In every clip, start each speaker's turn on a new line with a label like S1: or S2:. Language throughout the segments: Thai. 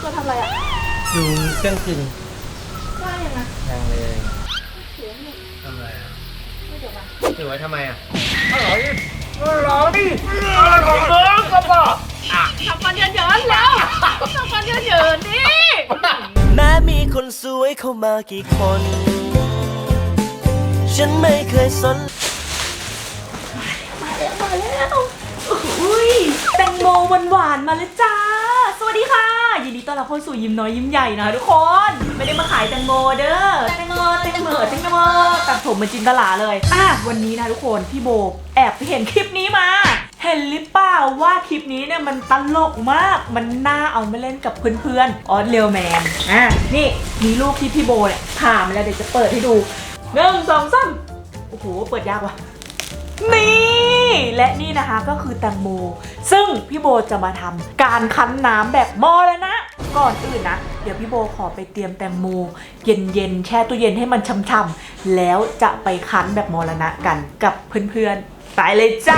S1: ตัวทำอะไรอ่ะ
S2: ดูเครื่องกิน
S1: ว่ายังไง
S2: ยังเลย
S1: เสียงนี่
S2: ทำอะไรอ่ะ
S1: ไม่จบอ่ะ
S2: ถือไว้ทำไมอ่ะอร่อยดิอร่อยเกินก็บอก
S1: ทำฟันเยินๆแล้วทำฟันเยินๆนี่
S3: แม้มีคนสวยเข้ามากี่คน ฉันไม่เคยสน
S1: มาแล้วอุ้ยแตงโมหวานๆมาเลยจ้าสวัสดีค่ะยินดีต้อนรับเข้าสู่ยิ้มน้อยยิ้มใหญ่นะทุกคนไม่ได้มาขายแตงโมเด้อแตงโมตัดผมเหมือนจินตลาเลยวันนี้นะทุกคนพี่โบแอบไปเห็นคลิปนี้มาเห็นหรือเปล่าว่าคลิปนี้เนี่ยมันตลกมากมันน่าเอามาเล่นกับเพื่อนๆออสเรียลแมนนี่มีรูปที่พี่โบเนี่ยถ่ายมาแล้วเดี๋ยวจะเปิดให้ดู1 2 3โอ้โหเปิดยากว่ะนี่และนี่นะคะก็คือแตงโมซึ่งพี่โบจะมาทำการคั้นน้ำแบบหม้อแล้วนะก่อนอื่นนะเดี๋ยวพี่โบขอไปเตรียมแตงโมเย็นๆแช่ตู้เย็นให้มันช่ำๆแล้วจะไปคั้นแบบมรณะกันกับเพื่อนๆไปเลยจ้า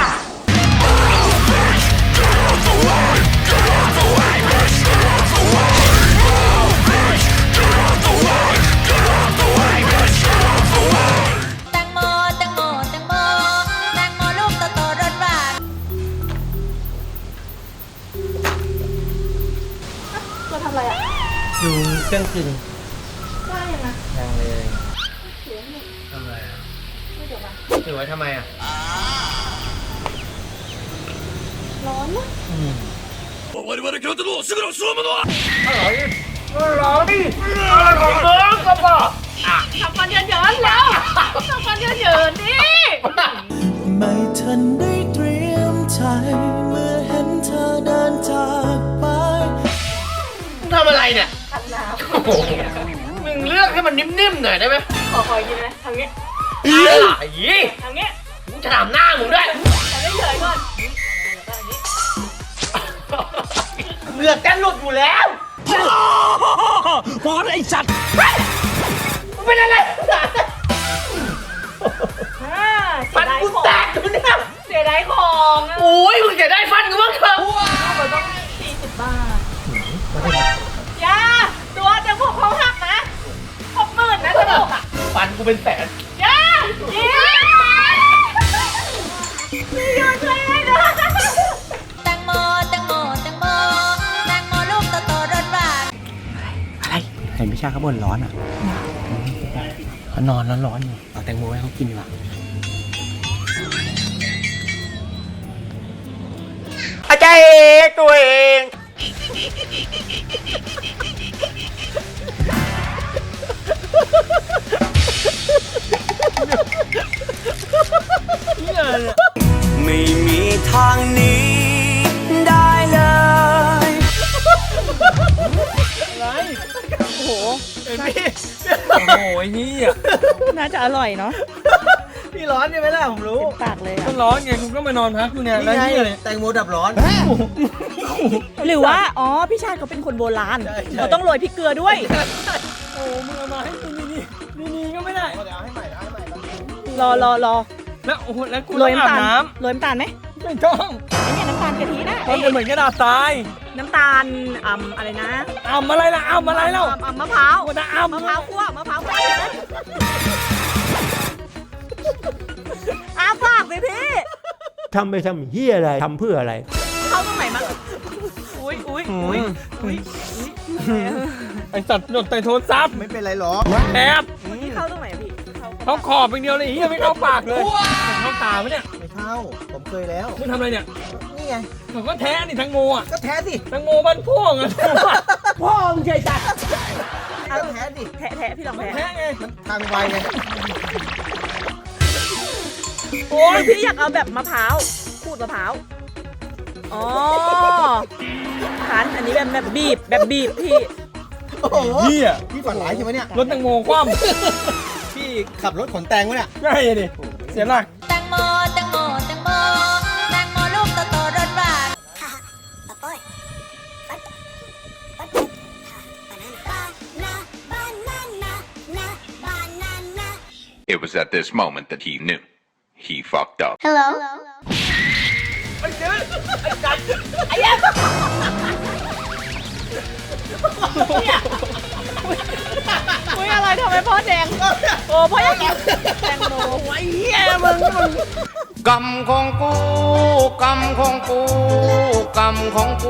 S1: ทำอะไรอ่ะ
S2: ดูเครื่องกิน
S1: ว่ายังไง
S2: ยังเลย
S1: เสียงนี่
S2: ทำอะไรอ่ะ
S1: ไม่จบอ่ะ
S2: ถือไว้ทำไมอ่ะ
S1: ร้อนนะ
S2: อร่อยดิอร่อยเกินก็บอก
S1: ทำฟันเยินๆแล้วทำฟันเยินๆนี่
S3: ไม่ทันได้เตรียมใจเมื่อเห็นเธอเดินจากไป
S2: ทำอะไรเนี่ย
S1: คั้นน้
S2: ำมึงเลือกให้มันนิ่มๆหน่อยได้ไหม
S1: ขอกินนะทางนี้
S2: อะไร
S1: ทางนี้
S2: มึงจะถามหน้ามึงด้วย
S1: ทำได้เฉยก่อน
S2: เหงือกกันหลุดอยู่แล้ว
S3: พอไอ้สัตว์
S2: เป็นอะไรฟันกูแตกอยู่เนี่ย
S1: เสียดายของ
S2: โอ้ยมึงจะได้ฟันกูบ้างเถอะ
S1: มันต้อง40 บาทย่าตัวแต่พวกเขาหักนะ60,000นะสนุก
S2: ฟันกูเป็นแสน
S1: ย่ายิงมีโยนช่วยให้ด้วย
S4: แตงโมลูกโตๆรสหวาน
S3: อะไรเห็นพี่ชาเขาบ่นร้อนอ่ะเขานอนร้อนๆอยู่เอาแตงโมให้เขากินดีกว่า
S2: อาจารย์ตัวเอง
S3: ไม่มีทางหนีได้เลย
S2: อะไรโอ้โหเอ็มพี่โอ้โหนี่อ่ะ
S1: น่าจะอร่อยเนาะ
S2: พี่ร้อนใช่ไหมล่ะผมรู้
S1: ปากเลยอ่ะ
S2: ก็ร้อนไงคุณก็มานอนพักอยู่เนี่ยแล้วนี่แตงโมดับร้อน
S1: หรือว่าพี่ชาติเขาเป็นคนโบราณเขาต้องโรยพริกเกลือด้วย
S2: โอ้มึงเอามาให้นี่ก็ไม่ได้เดี๋ยวให้ใหม่
S1: รอ
S2: แล้วโอ้โหแล้วกู
S1: โรยน้ำตาล
S2: น้
S1: โรยน้ำตาลไหม
S2: ไม่ต้อง
S1: ไอ้เนี่ยน้ำตาลกะทินะ
S2: มันเป็นเหมือนกระดาษทราย
S1: น้ำตาลอะไรนะ
S2: อะไรล่ะอะไรเล่
S1: ามะพร้าว
S2: มะพร้าว
S1: คั่วมะพร้าวคั่วฝากเลยพี่
S5: ทำไปทำเฮียอะไรทำเพื่ออะไร
S1: เข้าตรงไหนมาอุ้ย
S2: ไอสัตว์หนดใส่โทรศัพท์
S3: ไม่เป็นไรหรอก
S2: แอบ
S1: ที่เข้าตรงไหนพี่
S2: เขาขอบเป็นเดียวเลยไม่เข้าปากเลยเข้าตาไหมเนี่ย
S3: ไม่เข้าผมเคยแล้ว
S2: มึงทำอะไรเนี่ย
S3: นี่ไง
S2: ผมก็แท้นี่ทั้งโมอ่ะ
S3: ก็แท้สิ
S2: ทั้งโมบ้านพ่วงอ่ะ
S3: พ่อมึงใช่จัดเอาแท้ดิ
S1: แท้พี่ลองแท้
S2: ไง
S3: มันทางไวไง
S1: โอ้ยพี่อยากเอาแบบมะพร้าวขูดมะพร้าวคั้นอันนี้แบบบีบพี่
S3: โอ้โหพี่ฝันร้ายใช่ไหมเนี่ย
S2: รถแตงโมคว่ำ
S3: พี่ขับรถขนแตงวะเนี่ย
S2: ใช่ดิเสียหลัก
S4: แตงโมลูกโตๆรสหวาน
S6: It was at this moment that he knew he fucked up.
S4: Hello
S1: ไอ้ยักษ์อุ้ยอะไรทำไมพ่อแดงโอ้พ่ออยากกินแตงโม
S2: ไอ้เหี้ยมึงกรรมของกูกรรมของกูกรรมของกู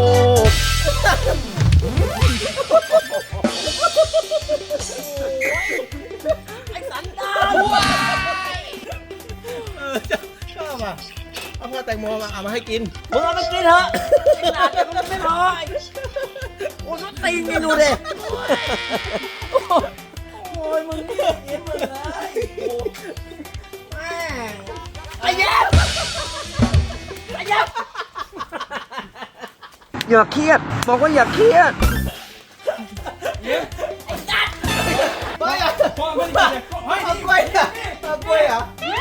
S7: ชอบอ่ะเอาพ่อแตงโมมาเอามาให้กิน
S2: มึงเอาไปกินเถอะไอ้หลานเนี่ยมันไม่พอโอ้ยตีนนี่ดูดิโอ้ยมึงนี่เอ็นมึงเลยแม่งไอ้แย้มไอ้แย้มอย่าเครียดบอกว่าอย่าเครียด
S7: พ่ออ่ะพ่อไม่ได้เฮ้ยเอากล้วยอ่ะเอากล้วยอ่ะ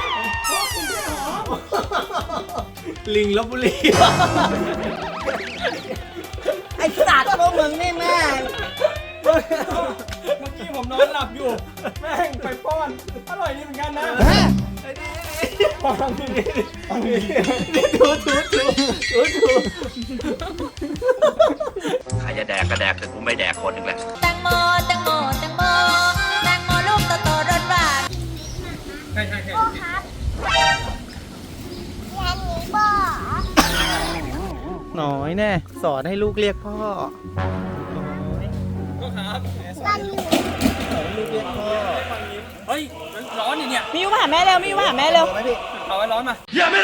S7: ลิงลบบุรี
S2: ไอ้สัตว์พวกมึงนี่แม่ง
S7: เมื่อกี้ผมนอนหลับอยู่ แม่งไปป้อน อร่อยดีเหมือนกันนะไอ้นี่ป้อนนี่ถู
S6: ใครจะแดกก็แดกแต่กูไม่แดกคนหนึ่งแหละ
S4: แตงโมแตงโมแตงโมแตงโมลูกโตๆรสหวาน
S7: น้อยแน่สอนให้ลูกเรียกพ่อก็ครับสอนให้ลูกเรียกพ่อ
S2: เฮ้ยมันร้อนเนี่ย
S1: มิวมาหาแม่เร็วมิวมาหาแม่เร็ว
S7: ไหมพี่
S2: เอาไว้ร้อนมา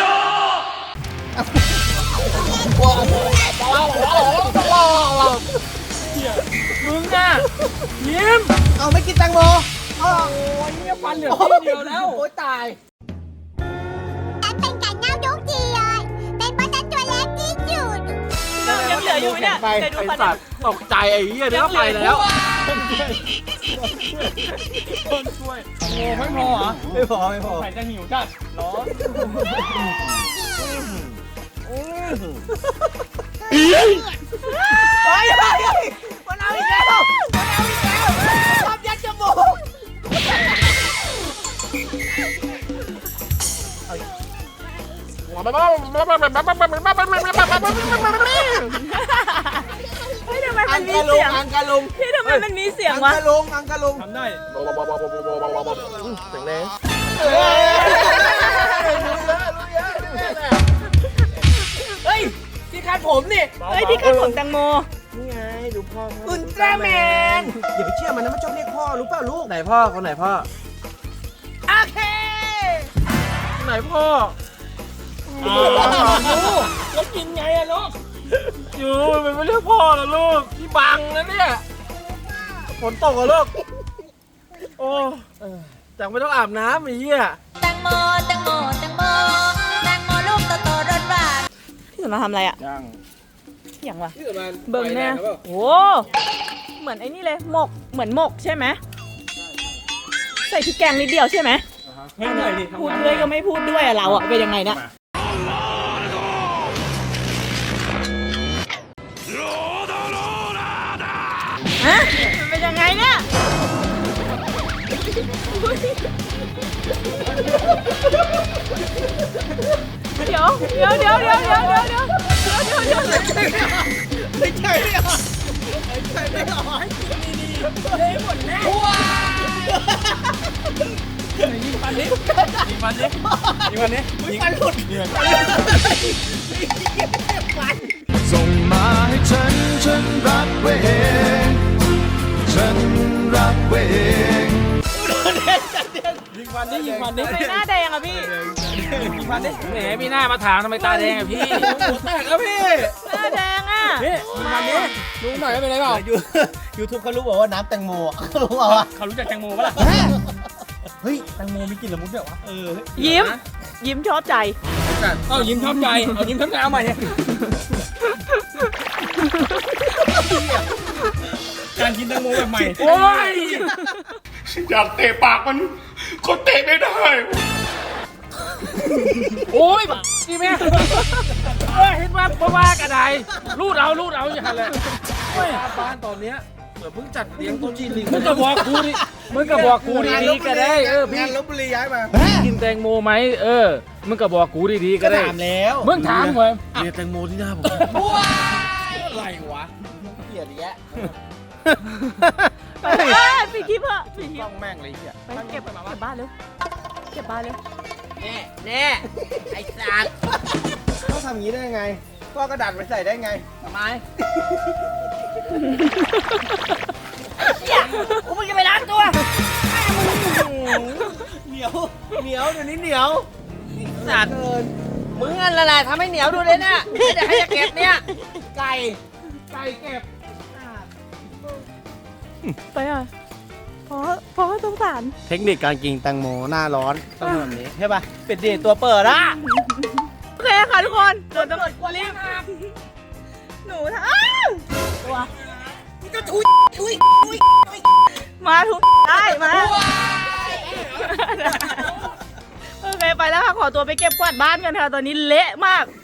S2: มึงอ่ะยิ้ม
S7: เอาไม่กินแตงโม
S2: โอ้ยเนี่ยฟันเหลือที่เดียวแล้ว
S7: โอ้ยตาย
S4: ฉันเป็นไก่เน่าทุกทีเลยเป็นปลาตัวเล็กที่สุด
S1: ยังเหลืออยู่ไหมเนี่ยเดี๋ยวดูฟัน
S2: ตกใจไอ้เหี้ยเดี๋ยวก็ไปแล้ว
S7: โอ้ไม่พอเหรอ ไม่พอไม่พอ
S2: ใส่จะหิวจัดร้อน
S7: มันเอาอีกแล้วชอบยัดจมูก
S1: เฮ้ยทำไมมันมีเสียง
S7: อังกะลุง
S1: พี่ทำไมมันมีเสียง
S7: อัง
S1: วะ
S7: กะลุงอังกะลุง
S2: ทำได้
S7: แข็งแรง
S2: เฮ้ยที่คาดผมนี่
S1: เฮ้ยที่กันผมแตงโม
S7: นี่ไงดูพ่อ
S2: อุลตร้าแมน
S7: อย่าไปเชื่อมันนะมันชอบเรียกพ่อรู้เปล่าลูกไหนพ่อคนไหนพ่อ
S2: โอเค
S7: ไหนพ่อ
S2: แล้วกินไงอะลูกอยู่มันไม่เรียกพ่อแล้วลูกพี่บังนะเนี่ย
S7: ฝนตกเหรอลูกโอ้จังไม่ต้องอาบน้ำไอ้เหี้ย
S4: แตงโมแตงโมแตงโมแตงโมลูกโตๆรสหวาน
S1: พี่สมมาทำอะไรอ่ะ
S7: ยัง
S1: อย่างวะ
S7: ที่มัน
S1: เบิ่งแน่โอ้เหมือนไอ้นี่เลยหมกเหมือนหมกใช่ไหมใส่พริกแกงนิดเดียวใช่ไหม
S2: ให้หน่อยดิ
S1: พูดด้วยก็ไม่พูดด้วยอะเราอะเป็นยังไงเนี่ยฮะมันเป็นยังไงเนี่ยเดี๋ยว
S7: ไม่ใช่ไม่ออกไม่ใช่ไม่ออกให้กินดีๆเลยหมดแน่
S2: ยิงฟันดิยิงฟันดิยิงฟันดิ
S7: ฟันหลุด
S3: ส่งมาให้ฉันรับไว้เองฉันรับไว้เอง
S2: ยิงฟันดิยิงฟันดิ
S1: ทำไมหน้าแดงอะพี่
S2: ยิงฟันดิแหมมีหน้ามาถามทำไมตาแดงอะพี่หัวแตกแล้วพี่
S1: หน้าแดงอะ
S2: นี่ยิงฟันดิลุงหน่อยไม่เป็นไรเปล่า
S7: ยูทูบเขารู้บอกว่าน้ำแตงโมเขารู้เปล่า
S2: เขารู้จักแตงโมปะล่ะ
S7: เฮ้ยแตงโมมีกลิ่นละมุนด้วยวะ
S1: ยิ้มชอบใจ
S2: เอายิ้มชอบใจเอายิ้มชอบใจเอาใหม่เนี่ยการกินแตงโมแบบใหม่โอ้ย
S6: อยากเตะปากมันก็เตะไม่ได้
S2: โอ้ยดีไหมเห็นว่ากันไดรูดเอาอย่าหันเลยบ้านตอนเนี้ยเหมือนเพิ่งจัดเลี้ยงโต๊ะจีนลิงมึงก็บอกกูดีๆก็ได้พี่
S7: งานลบบุรีย้ายมา
S2: กินแตงโมไหมมึงก็บอกกูดีๆก็
S7: ก็
S2: ได้
S7: ถามแล้ว
S2: มึงถามก่อน
S7: เรียนแตงโมที่หน้าผม
S2: อะไรวะ
S7: เกลียดกียดอีกแล้ว
S1: ไปปิดคลิปเถอะปิดคลิ
S7: ต้
S1: ป
S7: องแม่งเลยเหี้ย
S1: ไปเก็บบ้านเร็วเก็บบ้านเร็ว
S7: แน่ไอ้สัตว์ต้องทำอย่างนี้ได้ยังไงก็กระดาษไปใส่ได้ไงทำไม
S1: กูมึงจะไปล้างตัว
S7: เหนียวเดี๋ยวนี้เหนียวสัตว์มึงนั่นแหละทำให้เหนียวดูเลยเนี่ยไม่ได้ให้จะเก็บเนี่ยไก่เก็บ
S1: ไปอ่ะเพราะสงสาร
S7: เทคนิคการกินแตงโมหน้าร้อนต้องทำแบบนี้ใช่ป่ะเป็ดเดตัวเปิดอะ
S1: โอเคค่ะทุกคนเดี๋ยวต้องรีบหนูอ้าวตัวก็ทุยมาทุกได้มาโอเคไปแล้วค่ะขอตัวไปเก็บกวาดบ้านกันค่ะตอนนี้เละมาก